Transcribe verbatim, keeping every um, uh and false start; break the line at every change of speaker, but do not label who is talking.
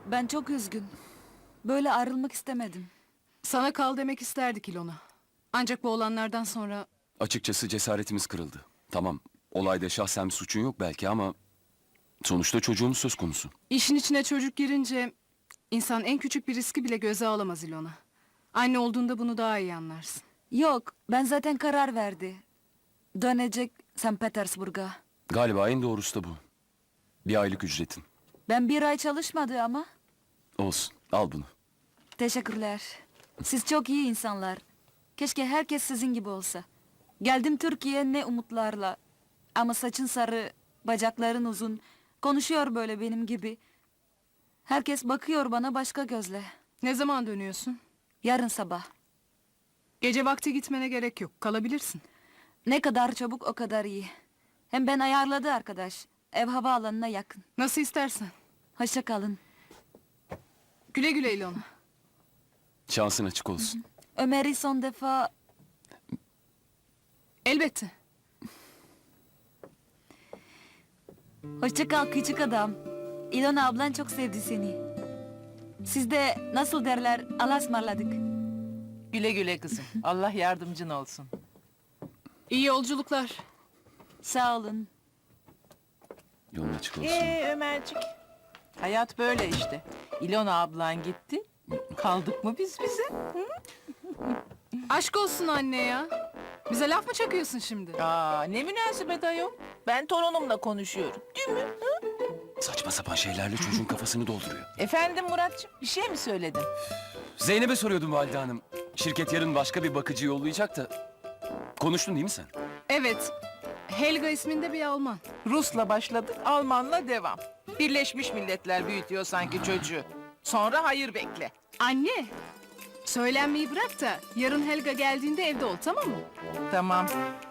Ben çok üzgün. Böyle ayrılmak istemedim.
Sana kal demek isterdik İlona. Ancak bu olanlardan sonra...
Açıkçası cesaretimiz kırıldı. Tamam, olayda şahsen bir suçun yok belki ama... Sonuçta çocuğumuz söz konusu.
...işin içine çocuk girince... ...insan en küçük bir riski bile göze alamaz İlona. Anne olduğunda bunu daha iyi anlarsın.
Yok, ben zaten karar verdi. Dönecek Sankt Petersburg'a.
Galiba en doğrusu da bu. Bir aylık ücretin.
Ben bir ay çalışmadı ama.
Olsun, al bunu.
Teşekkürler. Siz çok iyi insanlar. Keşke herkes sizin gibi olsa. Geldim Türkiye'ye ne umutlarla. Ama saçın sarı, bacakların uzun. Konuşuyor böyle benim gibi. Herkes bakıyor bana başka gözle.
Ne zaman dönüyorsun?
Yarın sabah.
Gece vakti gitmene gerek yok. Kalabilirsin.
Ne kadar çabuk o kadar iyi. Hem ben ayarladı arkadaş. Ev havaalanına yakın.
Nasıl istersen.
Hoşça kalın.
Güle güle İlona.
Şansın açık olsun.
Ömer'i son defa...
Elbette.
Hoşça kal küçük adam. İlona ablan çok sevdi seni. Siz de nasıl derler Allah'a ısmarladık.
Güle güle kızım. Allah yardımcın olsun.
İyi yolculuklar.
Sağ olun.
Yolun açık olsun.
Ee Ömercik. Hayat böyle işte. İlona ablan gitti. Kaldık mı biz bize?
Aşk olsun anne ya. Bize laf mı çakıyorsun şimdi?
Aa, ne münasebet ayol. Ben torunumla konuşuyorum. Değil mi?
Saçma sapan şeylerle çocuğun kafasını dolduruyor.
Efendim Muratcığım, bir şey mi söyledin?
Zeynep'e soruyordum Valide Hanım. Şirket yarın başka bir bakıcı yollayacak da... Konuştun değil mi sen?
Evet. Helga isminde bir Alman.
Rus'la başladık, Alman'la devam. Birleşmiş Milletler büyütüyor sanki çocuğu. Sonra hayır bekle.
Anne. Söylenmeyi bırak da yarın Helga geldiğinde evde ol, tamam mı?
Tamam.